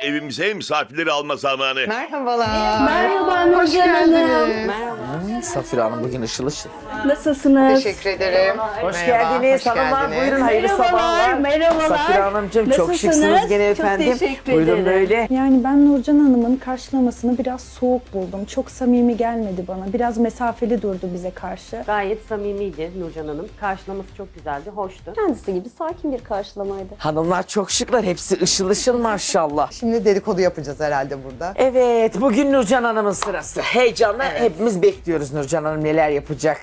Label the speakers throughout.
Speaker 1: evimize misafirleri alma zamanı.
Speaker 2: Merhabalar.
Speaker 3: Merhaba
Speaker 2: Hoş
Speaker 3: Nurcan Hanım.
Speaker 2: geldiniz.
Speaker 4: Safir Hanım bugün ışıl ışıl.
Speaker 3: Nasılsınız?
Speaker 2: Teşekkür ederim.
Speaker 4: Hoş
Speaker 2: Merhaba,
Speaker 4: geldiniz
Speaker 2: hoş
Speaker 4: hanımlar.
Speaker 2: geldiniz.
Speaker 4: Buyurun hayırlı sabahlar.
Speaker 3: Merhabalar.
Speaker 4: Safir Hanımcığım çok
Speaker 3: Nasılsınız?
Speaker 4: şıksınız gene efendim.
Speaker 3: Çok teşekkür
Speaker 4: Buyurun
Speaker 3: ederim.
Speaker 4: böyle.
Speaker 5: Yani ben Nurcan Hanım'ın karşılamasını biraz soğuk buldum. Çok samimi gelmedi bana. Biraz mesafeli durdu bize karşı.
Speaker 6: Gayet samimiydi Nurcan Hanım. Karşılaması çok güzeldi, hoştu.
Speaker 7: Kendisi gibi sakin bir karşılamaydı.
Speaker 4: Hanımlar çok şıklar. Hepsi ışıl ışıl maşallah.
Speaker 2: Şimdi dedikodu yapacağız herhalde burada.
Speaker 4: Evet bugün Nurcan Hanım'ın sırası. Heyecanla hepimiz bekliyoruz Nurcan Hanım neler yapacak.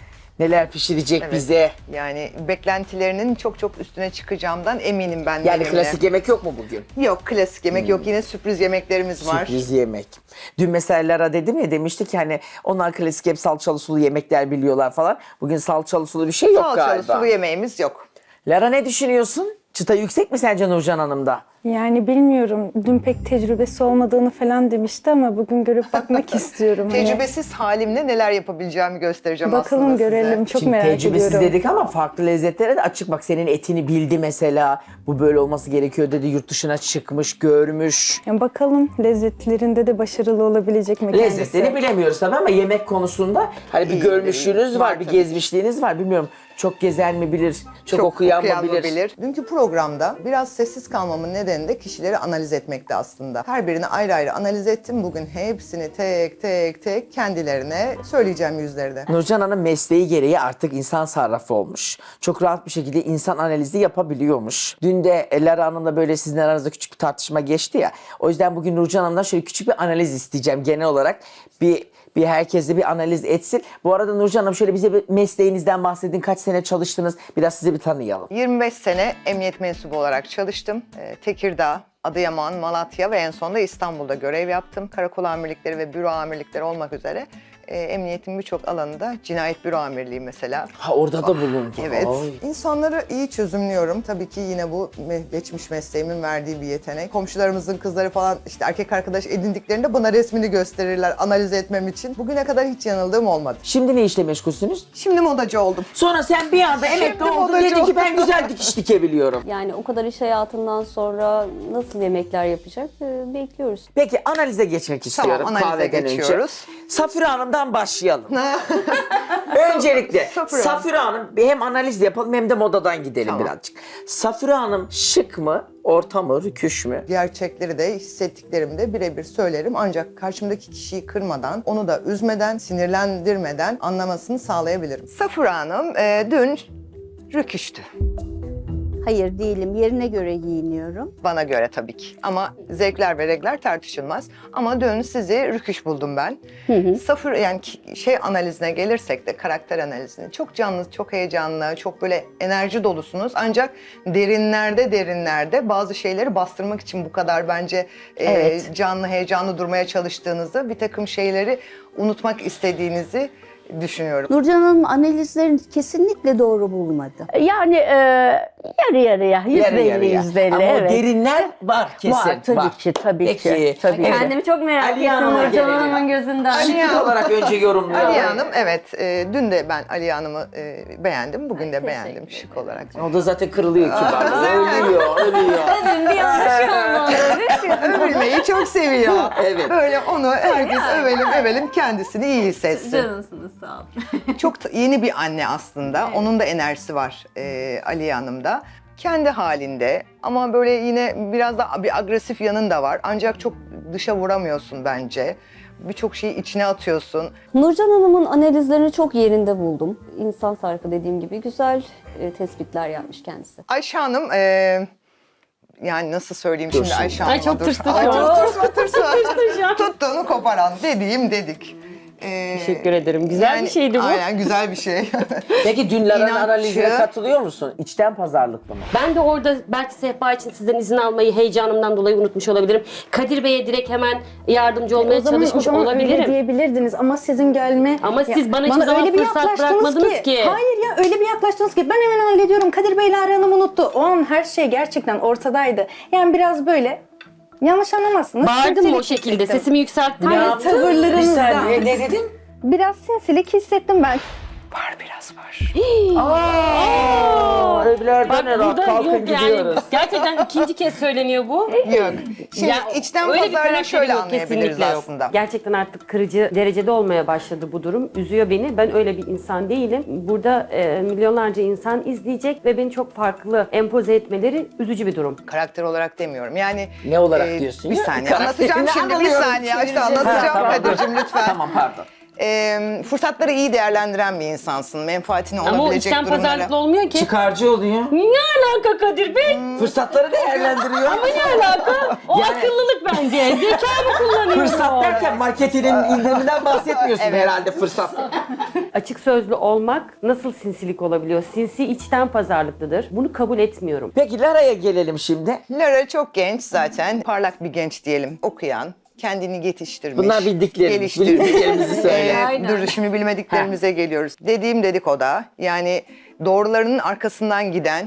Speaker 4: Neler pişirecek
Speaker 2: Evet.
Speaker 4: bize.
Speaker 2: Yani beklentilerinin çok çok üstüne çıkacağımdan eminim ben.
Speaker 4: Yani
Speaker 2: benimle.
Speaker 4: klasik yemek yok mu bugün?
Speaker 2: Yok, klasik yemek yok. Yine sürpriz yemeklerimiz var.
Speaker 4: Sürpriz yemek. Dün mesela Lara dedim ya demişti ki hani onlar klasik hep salçalı sulu yemekler biliyorlar falan. Bugün salçalı sulu bir şey yok
Speaker 2: Salçalı
Speaker 4: galiba.
Speaker 2: sulu yemeğimiz yok.
Speaker 4: Lara ne düşünüyorsun? Çıta yüksek mi sence Nurcan Hanım'da?
Speaker 5: Yani bilmiyorum. Dün pek tecrübesi olmadığını falan demişti ama bugün görüp bakmak istiyorum. Hani
Speaker 2: Tecrübesiz halimle neler yapabileceğimi göstereceğim
Speaker 5: bakalım
Speaker 2: aslında
Speaker 5: görelim.
Speaker 2: size.
Speaker 5: Çok
Speaker 4: Şimdi
Speaker 5: merak
Speaker 4: tecrübesiz
Speaker 5: ediyorum.
Speaker 4: dedik ama farklı lezzetlere de açık. Bak senin etini bildi mesela. Bu böyle olması gerekiyor dedi. Yurt dışına çıkmış, görmüş.
Speaker 5: Yani bakalım lezzetlerinde de başarılı olabilecek mi kendisi?
Speaker 4: Lezzetleri bilemiyoruz tabii ama yemek konusunda hani bir
Speaker 2: İyi,
Speaker 4: görmüşlüğünüz var, bir
Speaker 2: tabii.
Speaker 4: gezmişliğiniz var. Bilmiyorum çok gezen mi bilir, çok okuyan mı bilir.
Speaker 2: Dünkü programda biraz sessiz kalmamın nedeni de kişileri analiz etmekti aslında. Her birini ayrı ayrı analiz ettim. Bugün hepsini tek tek kendilerine söyleyeceğim yüzlerine.
Speaker 4: Nurcan Hanım mesleği gereği artık insan sarrafı olmuş. Çok rahat bir şekilde insan analizi yapabiliyormuş. Dün de Lara Hanım'la böyle sizin aranızda küçük bir tartışma geçti ya. O yüzden bugün Nurcan Hanım'dan şöyle küçük bir analiz isteyeceğim genel olarak. Bir herkese bir analiz etsin. Bu arada Nurcan Hanım şöyle bize bir mesleğinizden bahsedin. Kaç sene çalıştınız? Biraz sizi bir tanıyalım.
Speaker 2: 25 sene emniyet mensubu olarak çalıştım. Tekirdağ, Adıyaman, Malatya ve en sonunda İstanbul'da görev yaptım. Karakol amirlikleri ve büro amirlikleri olmak üzere emniyetin birçok alanında cinayet büro amirliği mesela.
Speaker 4: Ha orada da bulundu.
Speaker 2: Evet.
Speaker 4: Ay.
Speaker 2: İnsanları iyi çözümlüyorum. Tabii ki yine bu geçmiş mesleğimin verdiği bir yetenek. Komşularımızın kızları falan işte erkek arkadaş edindiklerinde bana resmini gösterirler analiz etmem için. Bugüne kadar hiç yanıldığım olmadı.
Speaker 4: Şimdi ne işle meşgulsünüz?
Speaker 2: Şimdi modacı oldum.
Speaker 4: Sonra sen bir anda emekli
Speaker 2: Şimdi
Speaker 4: oldun
Speaker 2: modacı
Speaker 4: dedin ki ben
Speaker 2: oldum.
Speaker 4: güzel dikiş dikebiliyorum.
Speaker 7: Yani o kadar iş hayatından sonra nasıl yemekler yapacak bekliyoruz.
Speaker 4: Peki analize geçmek istiyorum
Speaker 2: analize
Speaker 4: kahveden
Speaker 2: geçiyoruz.
Speaker 4: önce. Safira Hanım'dan başlayalım. Öncelikle
Speaker 2: Safira.
Speaker 4: Safira Hanım bir hem analiz yapalım hem de modadan gidelim
Speaker 2: Tamam.
Speaker 4: birazcık. Safira Hanım şık mı, orta mı, rüküş mü?
Speaker 2: Gerçekleri de hissettiklerimi de birebir söylerim. Ancak karşımdaki kişiyi kırmadan, onu da üzmeden, sinirlendirmeden anlamasını sağlayabilirim. Safura Hanım dün rüküştü.
Speaker 3: Hayır değilim. Yerine göre giyiniyorum.
Speaker 2: Bana göre tabii ki. Ama zevkler ve renkler tartışılmaz. Ama dün sizi rüküş buldum ben. Safır yani şey analizine gelirsek de karakter analizine çok canlı, çok heyecanlı, çok böyle enerji dolusunuz. Ancak derinlerde bazı şeyleri bastırmak için bu kadar bence canlı, heyecanlı durmaya çalıştığınızı, bir takım şeyleri unutmak istediğinizi düşünüyorum.
Speaker 3: Nurcan Hanım analizlerini kesinlikle doğru bulmadı. Yani yarı yarıya, %50,
Speaker 4: Ama
Speaker 3: evet.
Speaker 4: o derinler var kesin.
Speaker 3: Var tabii ki, tabii
Speaker 4: Peki.
Speaker 3: ki. Tabii.
Speaker 4: Evet.
Speaker 7: Kendimi çok merak
Speaker 4: Aliye
Speaker 7: ettim
Speaker 4: Hanım'a
Speaker 7: Nurcan
Speaker 4: gelelim.
Speaker 7: Hanım'ın gözünden.
Speaker 4: Şıklık olarak önce yorumlayalım.
Speaker 2: Aliye Hanım evet dün de ben Aliye Hanım'ı beğendim. Bugün de beğendim şık olarak.
Speaker 4: O da zaten kırılıyor kibarlığı. Ölüyor.
Speaker 7: Bugün bir yanlış kalmadı.
Speaker 2: Övülmeyi çok seviyor.
Speaker 4: Evet.
Speaker 2: Böyle onu herkes övelim kendisini iyi hissetsin.
Speaker 7: Canımsınız sağ olun.
Speaker 2: Çok yeni bir anne aslında. Onun da enerjisi var Aliye Hanım'da. Kendi halinde ama böyle yine biraz da bir agresif yanın da var. Ancak çok dışa vuramıyorsun bence. Birçok şeyi içine atıyorsun.
Speaker 7: Nurcan Hanım'ın analizlerini çok yerinde buldum. İnsan sarkı dediğim gibi güzel tespitler yapmış kendisi.
Speaker 2: Ayşe Hanım yani nasıl söyleyeyim
Speaker 4: Dur
Speaker 2: şimdi Ayşe Hanım'a?
Speaker 7: Ay çok
Speaker 2: dur.
Speaker 7: tırstı
Speaker 2: Ay
Speaker 7: şu an.
Speaker 2: çok tırstı. Tuttuğunu koparan dedik.
Speaker 6: Teşekkür ederim. Güzel bir şeydi bu.
Speaker 2: Aynen güzel bir şey.
Speaker 4: Peki dün Lara'nın
Speaker 2: İnatçı.
Speaker 4: analizine katılıyor musun? İçten pazarlıklı mı?
Speaker 6: Ben de orada belki sehpa için sizden izin almayı heyecanımdan dolayı unutmuş olabilirim. Kadir Bey'e direkt hemen yardımcı olmaya çalışmış
Speaker 5: öyle
Speaker 6: olabilirim.
Speaker 5: diyebilirdiniz ama sizin gelme...
Speaker 6: Ama siz bana hiçbir zaman
Speaker 5: öyle bir
Speaker 6: fırsat
Speaker 5: yaklaştınız
Speaker 6: bırakmadınız ki.
Speaker 5: Hayır ya öyle bir yaklaştınız ki ben hemen hallediyorum. Kadir Bey'le Lara Hanım unuttu. O an her şey gerçekten ortadaydı. Yani biraz böyle yanlış anlamazsınız.
Speaker 6: Bağırdım mı o
Speaker 5: sinsilik
Speaker 6: şekilde?
Speaker 5: hissettim.
Speaker 6: Sesimi yükselttim.
Speaker 5: Hayır,
Speaker 4: yaptın?
Speaker 5: tavırlarınızdan.
Speaker 4: Bir saniye ne dedin?
Speaker 5: Biraz sinsilik hissettim ben.
Speaker 2: Var, biraz var.
Speaker 4: Evlerden
Speaker 6: Bak burada
Speaker 4: kalkın
Speaker 6: yok yani.
Speaker 4: gidiyoruz.
Speaker 6: Gerçekten ikinci kez söyleniyor bu.
Speaker 2: Yok. Şimdi
Speaker 6: Ya,
Speaker 2: içten
Speaker 6: öyle bir
Speaker 2: pazarlığı
Speaker 6: karakteri
Speaker 2: şöyle
Speaker 6: yok,
Speaker 2: anlayabiliriz
Speaker 6: kesinlikle yok.
Speaker 2: aslında.
Speaker 6: Gerçekten artık kırıcı derecede olmaya başladı bu durum. Üzüyor beni. Ben öyle bir insan değilim. Burada milyonlarca insan izleyecek ve beni çok farklı empoze etmeleri üzücü bir durum.
Speaker 2: Karakter olarak demiyorum. Yani
Speaker 4: Ne olarak diyorsun
Speaker 2: Bir
Speaker 4: ya?
Speaker 2: saniye
Speaker 4: Karakterini
Speaker 2: anlatacağım şimdi. Bir
Speaker 4: anlıyorum.
Speaker 2: saniye işte anlatacağım
Speaker 4: tamam.
Speaker 2: Kadir'cim lütfen.
Speaker 4: Tamam pardon.
Speaker 2: Fırsatları iyi değerlendiren bir insansın. Menfaatini
Speaker 6: Ama o
Speaker 2: olabilecek
Speaker 6: içten
Speaker 2: durumlara.
Speaker 6: pazarlıklı olmuyor ki.
Speaker 4: Çıkarcı oluyor.
Speaker 6: Ne alaka Kadir Bey?
Speaker 4: Fırsatları değerlendiriyor.
Speaker 6: Ama ne alaka? O
Speaker 4: Yani-
Speaker 6: akıllılık bence. Zeka mı kullanıyor?
Speaker 4: Fırsat derken marketinin indiriminden bahsetmiyorsun
Speaker 2: Evet.
Speaker 4: herhalde fırsat.
Speaker 6: Açık sözlü olmak nasıl sinsilik olabiliyor? Sinsi içten pazarlıklıdır. Bunu kabul etmiyorum.
Speaker 4: Peki Lara'ya gelelim şimdi.
Speaker 2: Lara çok genç zaten. Parlak bir genç diyelim. Okuyan. Kendini yetiştirmiş.
Speaker 4: Bunlar bildiklerimiz.
Speaker 2: Geliştirmiş.
Speaker 4: Bildiklerimizi söyle.
Speaker 2: Dur şimdi bilmediklerimize geliyoruz. Dediğim dedik o da. Yani doğrularının arkasından giden,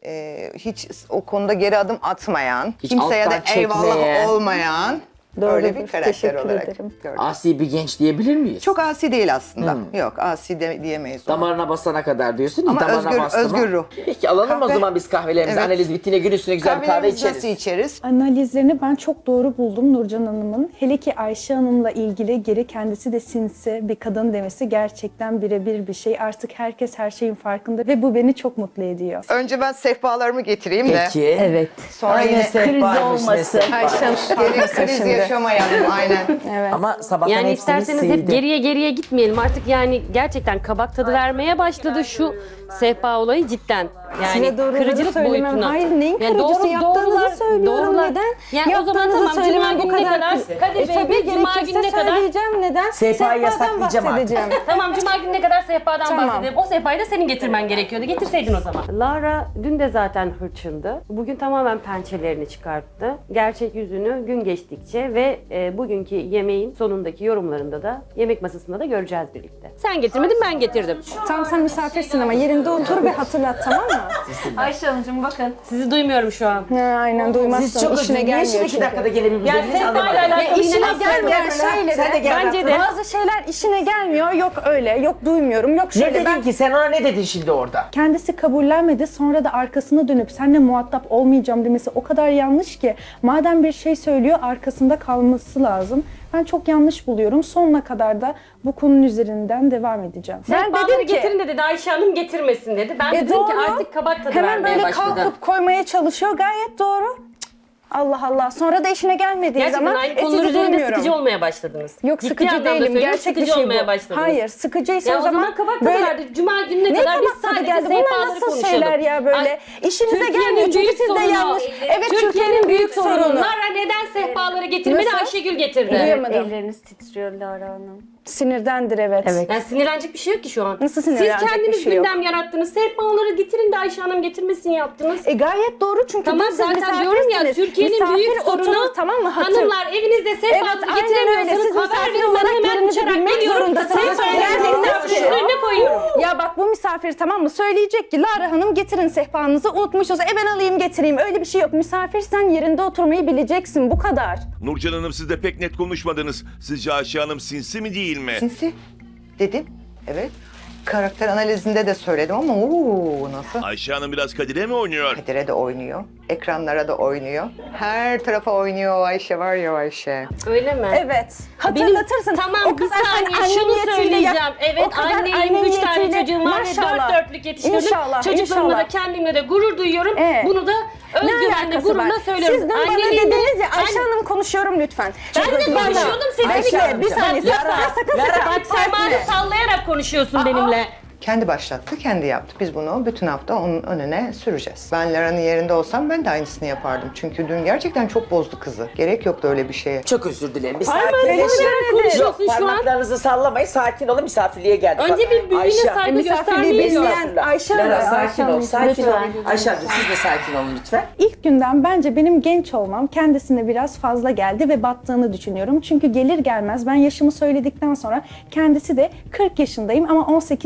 Speaker 2: hiç o konuda geri adım atmayan,
Speaker 4: Hiç
Speaker 2: kimseye de
Speaker 4: alttan
Speaker 2: eyvallah
Speaker 4: çekmeyen.
Speaker 2: olmayan öyle bir
Speaker 5: Doğrudur,
Speaker 2: karakter
Speaker 5: teşekkür
Speaker 2: olarak
Speaker 5: ederim.
Speaker 2: gördüm.
Speaker 4: Asi bir genç diyebilir miyiz?
Speaker 2: Çok asi değil aslında. Yok asi diyemeyiz onu.
Speaker 4: Damarına basana kadar diyorsun.
Speaker 2: Ama
Speaker 4: damarına bastı mı?
Speaker 2: özgür ruh.
Speaker 4: Peki alalım o
Speaker 2: Kahve-
Speaker 4: zaman biz kahvelerimizi.
Speaker 2: Evet.
Speaker 4: Analiz bittiğine gün üstüne güzel bir kahve
Speaker 2: Kahvelerimizi
Speaker 4: içeriz.
Speaker 2: nasıl içeriz?
Speaker 5: Analizlerini ben çok doğru buldum Nurcan Hanım'ın. Hele ki Ayşe Hanım'la ilgili geri kendisi de sinsi bir kadın demesi gerçekten birebir bir şey. Artık herkes her şeyin farkında ve bu beni çok mutlu ediyor.
Speaker 2: Önce ben sehpalarımı getireyim de.
Speaker 4: Peki.
Speaker 3: Evet.
Speaker 2: Sonra yine
Speaker 4: sehpaymış, ne
Speaker 3: olması.
Speaker 4: sehpa.
Speaker 2: Gelin kriz yaşamayalım aynen.
Speaker 4: Ama sabahtan
Speaker 6: Yani
Speaker 4: hepsini
Speaker 6: isterseniz
Speaker 4: sildi.
Speaker 6: hep geriye gitmeyelim. Artık yani gerçekten kabak tadı vermeye başladı şu sehpa olayı cidden. Yani
Speaker 5: Size doğruları
Speaker 6: kırıcılık
Speaker 5: söylemem.
Speaker 6: boyutuna.
Speaker 5: Hayır, neyin kırıcısı? Yaptığınızı söylüyorum. Neden?
Speaker 6: Yani o zaman
Speaker 5: Yaptığınızı
Speaker 6: tamam
Speaker 5: söylemem
Speaker 6: Cuma
Speaker 5: bu
Speaker 6: gününe kadar
Speaker 5: kadar.
Speaker 6: Kadir Bey
Speaker 5: Tabii
Speaker 6: biz Cuma
Speaker 5: gerekirse
Speaker 6: gününe kadar
Speaker 5: söyleyeceğim. Neden?
Speaker 4: Sehpayı
Speaker 5: Sehpadan
Speaker 4: yasaklayacağım artık.
Speaker 5: bahsedeceğim.
Speaker 6: Tamam Cuma gününe kadar sehpadan
Speaker 5: Tamam.
Speaker 6: bahsedelim. O sehpayı da senin getirmen gerekiyordu. Getirseydin o zaman. Lara dün de zaten hırçındı. Bugün tamamen pençelerini çıkarttı. Gerçek yüzünü gün geçtikçe ve bugünkü yemeğin sonundaki yorumlarında da yemek masasında da göreceğiz birlikte. Sen getirmedin ben getirdim.
Speaker 5: Tamam sen misafirsin ama yerinde otur ve hatırlat, tamam mı?
Speaker 7: Ayşe Hanımcığım bakın.
Speaker 6: Sizi duymuyorum şu an.
Speaker 5: Ha, aynen duymazsın.
Speaker 4: Siz çok
Speaker 5: işine
Speaker 4: özür
Speaker 5: gelmiyor
Speaker 4: dilerim. 2
Speaker 5: çünkü.
Speaker 4: dakikada gelebiliriz.
Speaker 6: sehpayla alakalı
Speaker 5: İşine
Speaker 6: yine
Speaker 5: gelmeyen
Speaker 6: aslında-
Speaker 5: şeyleri.
Speaker 4: Sen de gel.
Speaker 6: Bence de.
Speaker 5: Bazı şeyler işine gelmiyor. Yok öyle, yok duymuyorum, yok
Speaker 4: Ne
Speaker 5: şöyle.
Speaker 4: dedin ki? Sen ona ne dedin şimdi orada?
Speaker 5: Kendisi kabullenmedi, sonra da arkasına dönüp seninle muhatap olmayacağım demesi o kadar yanlış ki. Madem bir şey söylüyor, arkasında kalması lazım. Ben çok yanlış buluyorum. Sonuna kadar da bu konunun üzerinden devam edeceğim.
Speaker 6: Sehpaları getirin dedi. Ayşe Hanım getirmesin dedi. Ben dedim ki
Speaker 5: doğru.
Speaker 6: artık kabak tadı
Speaker 5: Hemen
Speaker 6: vermeye
Speaker 5: böyle
Speaker 6: başladı.
Speaker 5: kalkıp koymaya çalışıyor. Gayet doğru. Cık, Allah Allah. Sonra da işine gelmediği
Speaker 6: Gerçekten
Speaker 5: zaman
Speaker 6: aynı konular
Speaker 5: sizi
Speaker 6: üzerinde
Speaker 5: duymuyorum.
Speaker 6: sıkıcı olmaya başladınız.
Speaker 5: Yok
Speaker 6: Ciddi
Speaker 5: sıkıcı
Speaker 6: anlamda
Speaker 5: değilim.
Speaker 6: söylüyorum,
Speaker 5: Gerçek bir
Speaker 6: sıkıcı
Speaker 5: şey
Speaker 6: olmaya
Speaker 5: bu.
Speaker 6: başladınız.
Speaker 5: Hayır, sıkıcıysa
Speaker 6: Ya o zaman kabak tadı
Speaker 5: böyle-
Speaker 6: verdi. Cuma gününe
Speaker 5: Ne
Speaker 6: kadar biz
Speaker 5: kabak tadı
Speaker 6: sadece
Speaker 5: geldi? Bunlar
Speaker 6: sehpaları
Speaker 5: nasıl
Speaker 6: konuşalım.
Speaker 5: şeyler ya böyle?
Speaker 6: Ay,
Speaker 5: İşinize
Speaker 6: Türkiye'nin
Speaker 5: gelmiyor çünkü
Speaker 6: büyük
Speaker 5: siz de
Speaker 6: sorunu.
Speaker 5: yanlış. Evet,
Speaker 6: Türkiye'nin büyük sorunu.
Speaker 5: sorunu.
Speaker 6: Lara neden sehpaları getirmedi?
Speaker 5: Nasıl?
Speaker 6: Ayşegül getirdi.
Speaker 5: Duyamadım.
Speaker 7: Elleriniz titriyor Lara Hanım.
Speaker 5: Sinirdendir evet.
Speaker 6: Yani sinirlenecek bir şey yok ki şu an.
Speaker 5: Nasıl
Speaker 6: Siz
Speaker 5: sinirlenecek
Speaker 6: kendiniz
Speaker 5: bir şey yok?
Speaker 6: gündem yarattınız. Sehpaları getirin de Ayşe Hanım getirmesini yaptınız.
Speaker 5: Gayet doğru çünkü
Speaker 6: Tamam
Speaker 5: siz
Speaker 6: zaten diyorum ya
Speaker 5: misafirsiniz.
Speaker 6: Türkiye'nin
Speaker 5: Misafir
Speaker 6: büyük sorunu
Speaker 5: oturur, tamam mı?
Speaker 6: hanımlar evinizde sehpa
Speaker 5: Evet, aynen öyle.
Speaker 6: getiremiyorsanız
Speaker 5: Siz
Speaker 6: haber
Speaker 5: misafir
Speaker 6: verin ben
Speaker 5: olarak
Speaker 6: hemen
Speaker 5: yerinizi
Speaker 6: uçarak
Speaker 5: bilmek
Speaker 6: geliyorum.
Speaker 5: zorundasınız.
Speaker 6: Sehpayı
Speaker 5: Söyleyeceksiniz ki-
Speaker 6: önüne koyuyorum.
Speaker 5: Ya bak bu misafir tamam mı? Söyleyecek ki Lara Hanım getirin sehpanızı, unutmuşuz. Ben alayım getireyim. Öyle bir şey yok. Misafirsen yerinde oturmayı bileceksin. Bu kadar.
Speaker 1: Nurcan Hanım siz de pek net konuşmadınız. Sizce Ayşe Hanım sinsi mi değil mi?
Speaker 2: Sinsi dedim. Evet. Karakter analizinde de söyledim ama nasıl?
Speaker 1: Ayşe Hanım biraz Kadir'e mi oynuyor?
Speaker 2: Kadir'e de oynuyor. Ekranlara da oynuyor. Her tarafa oynuyor o Ayşe var ya o Ayşe.
Speaker 6: Öyle mi?
Speaker 5: Evet. Hatırlatırsın.
Speaker 6: Tamam bir saniye şunu söyleyeceğim. Evet anneyim, 3 tane çocuğum var ve 4 dörtlük yetiştirdim.
Speaker 5: İnşallah,
Speaker 6: Çocuklarımla da
Speaker 5: inşallah.
Speaker 6: kendimle de gurur duyuyorum.
Speaker 5: Evet.
Speaker 6: Bunu da
Speaker 5: Ne
Speaker 6: özgüvenle,
Speaker 5: alakası
Speaker 6: gururla
Speaker 5: var?
Speaker 6: söylüyorum.
Speaker 5: Siz dün bana
Speaker 6: Anneliğinde-
Speaker 5: dediniz ya Ayşe
Speaker 6: Ben-
Speaker 5: Hanım konuşuyorum lütfen.
Speaker 6: Ben de konuşuyordum seninle.
Speaker 5: Ayşe, bir saniye. Sakın
Speaker 6: Bak parmağını sallayarak konuşuyorsun benimle.
Speaker 2: Kendi başlattı, kendi yaptı. Biz bunu bütün hafta onun önüne süreceğiz. Ben Lara'nın yerinde olsam ben de aynısını yapardım. Çünkü dün gerçekten çok bozdu kızı. Gerek yoktu öyle bir şeye.
Speaker 4: Çok özür dilerim. Bir
Speaker 6: Parmağını
Speaker 4: sakinleşin.
Speaker 6: sallayarak konuşuyorsun
Speaker 4: Yok,
Speaker 6: şu an.
Speaker 4: parmaklarınızı sallamayın. Sakin olun. Misafirliğe geldik.
Speaker 6: Önce
Speaker 4: Bak,
Speaker 6: bir büyüğüne
Speaker 4: Ayşe,
Speaker 6: saygı
Speaker 5: misafirliği
Speaker 6: göstermeyi
Speaker 5: bekleyen
Speaker 6: biliyor.
Speaker 4: Estağfurullah.
Speaker 5: Ayşe
Speaker 4: Lara
Speaker 5: Hanım.
Speaker 4: sakin ol. Sakin ol.
Speaker 7: lütfen.
Speaker 4: Ayşe Hanım siz de sakin olun lütfen.
Speaker 5: İlk günden bence benim genç olmam kendisine biraz fazla geldi ve battığını düşünüyorum. Çünkü gelir gelmez ben yaşımı söyledikten sonra kendisi de 40 yaşındayım ama 18-20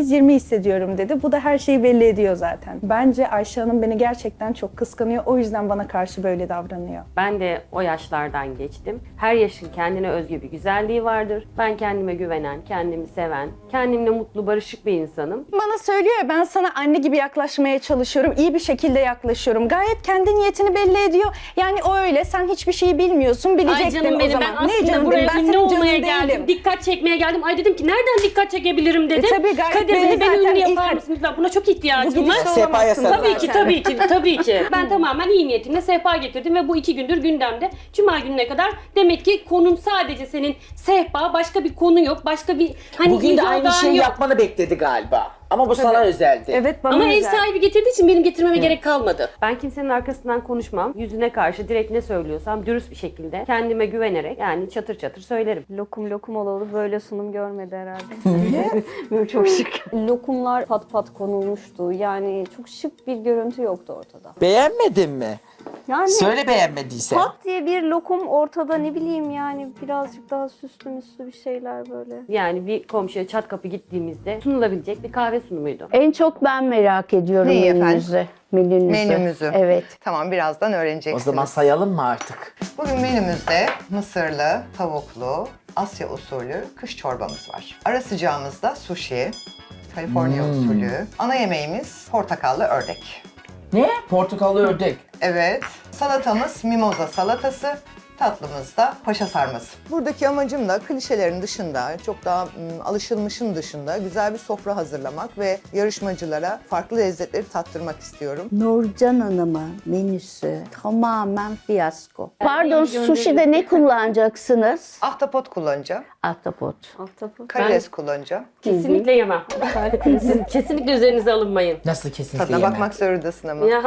Speaker 5: hissediyorum dedi. Bu da her şeyi belli ediyor zaten. Bence Ayşe Hanım beni gerçekten çok kıskanıyor. O yüzden bana karşı böyle davranıyor.
Speaker 6: Ben de o yaşlardan geçtim. Her yaşın kendine özgü bir güzelliği vardır. Ben kendime güvenen, kendimi seven, kendimle mutlu, barışık bir insanım.
Speaker 5: Bana söylüyor ya, ben sana anne gibi yaklaşmaya çalışıyorum. İyi bir şekilde yaklaşıyorum. Gayet kendi niyetini belli ediyor. Yani o öyle. Sen hiçbir şeyi bilmiyorsun. Bilecektin
Speaker 6: Ay canım
Speaker 5: o
Speaker 6: benim,
Speaker 5: zaman.
Speaker 6: ben aslında
Speaker 5: canım
Speaker 6: buraya
Speaker 5: benim? Ben
Speaker 6: ünlü
Speaker 5: senin
Speaker 6: olmaya
Speaker 5: canın
Speaker 6: geldim.
Speaker 5: değilim.
Speaker 6: Dikkat çekmeye geldim. Ay dedim ki nereden dikkat çekebilirim dedim.
Speaker 5: tabii, gayet
Speaker 6: Kadir
Speaker 5: belli
Speaker 6: beni
Speaker 5: zaten.
Speaker 6: ünlü
Speaker 5: İlk-
Speaker 6: yapar mısınız? Buna çok ihtiyacım var.
Speaker 4: Sehpaya sarıl.
Speaker 6: Tabii ki, tabii ki, tabii ki. Ben tamamen iyi niyetimle sehpa getirdim ve bu 2 gündür gündemde. Cuma gününe kadar demek ki konun sadece senin sehpa, başka bir konu yok. Başka bir hani
Speaker 4: Bugün de
Speaker 6: ilgi
Speaker 4: aynı
Speaker 6: odağın
Speaker 4: şeyi
Speaker 6: yok.
Speaker 4: yapmanı bekledi galiba. Ama bu sana özeldi.
Speaker 5: Evet, bana
Speaker 6: Ama ev
Speaker 5: özel.
Speaker 6: sahibi getirdiği için benim getirmeme gerek kalmadı. Ben kimsenin arkasından konuşmam. Yüzüne karşı direkt ne söylüyorsam dürüst bir şekilde kendime güvenerek yani çatır çatır söylerim.
Speaker 7: Lokum lokum olalı böyle sunum görmedi herhalde. Böyle çok şık. Lokumlar pat pat konulmuştu. Yani çok şık bir görüntü yoktu ortada.
Speaker 4: Beğenmedin mi?
Speaker 7: Yani
Speaker 4: Söyle beğenmediysen.
Speaker 7: pat diye bir lokum ortada, ne bileyim yani birazcık daha süslü müslü bir şeyler böyle.
Speaker 6: Yani bir komşuya çat kapı gittiğimizde sunulabilecek bir kahve sunumuydu.
Speaker 3: En çok ben merak ediyorum
Speaker 2: Neyi efendim?
Speaker 3: menünüzü. Menünüzü.
Speaker 2: Menümüzü.
Speaker 3: Evet.
Speaker 2: Tamam, birazdan
Speaker 4: O
Speaker 2: öğreneceksiniz.
Speaker 4: zaman sayalım mı artık?
Speaker 2: Bugün menümüzde mısırlı, tavuklu, Asya usulü kış çorbamız var. Ara sıcağımızda sushi, Kaliforniya usulü. Ana yemeğimiz portakallı ördek.
Speaker 4: Ne? Portakallı ördek.
Speaker 2: Evet. Salatamız mimoza salatası. Tatlımız da paşa sarması. Buradaki amacım da klişelerin dışında, çok daha alışılmışın dışında güzel bir sofra hazırlamak ve yarışmacılara farklı lezzetleri tattırmak istiyorum.
Speaker 3: Nurcan Hanım'ın menüsü tamamen fiyasko. Pardon, sushi'de ne kullanacaksınız?
Speaker 2: Ahtapot kullanacağım,
Speaker 3: Ahtapot.
Speaker 7: Ahtapot.
Speaker 2: karides kullanacağım.
Speaker 6: Kesinlikle yemem. Siz kesinlikle üzerinize alınmayın.
Speaker 4: Nasıl kesinlikle
Speaker 2: Tadına
Speaker 4: yemem?
Speaker 2: bakmak zorundasın ama.
Speaker 6: Ya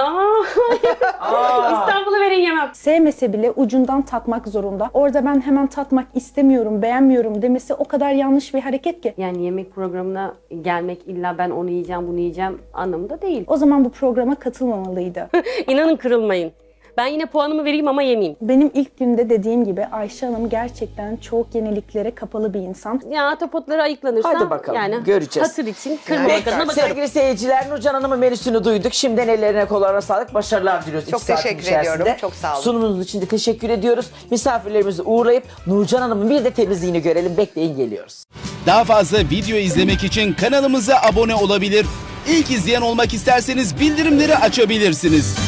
Speaker 6: İstanbul'u verin yemem.
Speaker 5: Sevmese bile ucundan tatmak zorunda. Orada ben hemen tatmak istemiyorum, beğenmiyorum demesi o kadar yanlış bir hareket ki.
Speaker 6: Yani yemek programına gelmek illa ben onu yiyeceğim bunu yiyeceğim anlamında değil.
Speaker 5: O zaman bu programa katılmamalıydı.
Speaker 6: İnanın kırılmayın. Ben yine puanımı vereyim ama yemeyeyim.
Speaker 5: Benim ilk günde dediğim gibi Ayşe Hanım gerçekten çok yeniliklere kapalı bir insan.
Speaker 6: Ya ahtapotları ayıklanırsam
Speaker 4: Hadi bakalım,
Speaker 6: yani
Speaker 4: göreceğiz.
Speaker 6: hatır için kırmamak adına
Speaker 4: Pekala,
Speaker 6: bakarım.
Speaker 4: sevgili seyirciler, Nurcan Hanım'ın menüsünü duyduk. Şimdiden ellerine kollarına sağlık, başarılar diliyoruz.
Speaker 2: Çok
Speaker 4: 2 saatin
Speaker 2: teşekkür
Speaker 4: içerisinde.
Speaker 2: ediyorum, çok sağ olun.
Speaker 4: Sunumunuz için de teşekkür ediyoruz. Misafirlerimizi uğurlayıp Nurcan Hanım'ın bir de temizliğini görelim. Bekleyin, geliyoruz.
Speaker 8: Daha fazla video izlemek için kanalımıza abone olabilir. İlk izleyen olmak isterseniz bildirimleri açabilirsiniz.